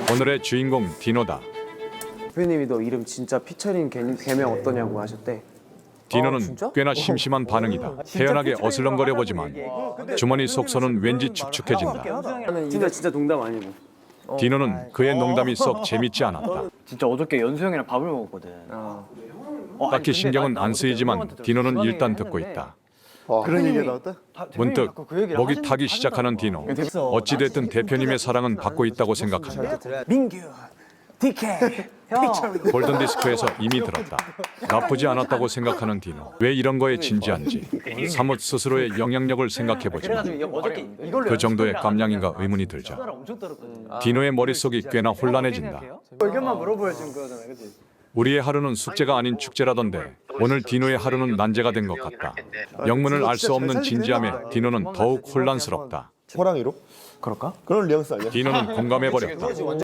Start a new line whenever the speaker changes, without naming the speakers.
오늘의 주인공 디노다.
대표님이 너 이름 진짜 피처링 개명 어떠냐고 하셨대.
디노는
진짜?
꽤나 심심한 반응이다. 태연하게 어슬렁거려 보지만 주머니 속선은 왠지 축축해진다.
나는 이거 진짜 농담 아니고.
디노는 그의 농담이 썩 재밌지 않았다.
진짜 어저께 연수 형이랑 밥을 먹었거든.
딱히 신경은 안 쓰이지만 디노는 일단 듣고 있다.
그런 얘기가 나왔다?
문득 목이 타기 시작하는 디노. 어찌됐든 대표님의 사랑은 받고 있다고 생각한다.
민규, DK,
골든디스크에서 이미 들었다. 나쁘지 않았다고 생각하는 디노. 왜 이런 거에 진지한지 사뭇 스스로의 영향력을 생각해보지만
어저께 이걸로
그 정도의 감량인가 의문이 들자
엄청 떨었거든.
디노의 머릿속이 꽤나 혼란해진다.
의견만 물어보여 지금 그거잖아, 그렇지?
우리의 하루는 숙제가 아닌 축제라던데 오늘 디노의 하루는 난제가 된 것 같다. 영문을 알 수 없는 진지함에 디노는 더욱 혼란스럽다.
호랑이로?
그럴까?
그런 뉘앙스 아니야?
디노는 공감해버렸다.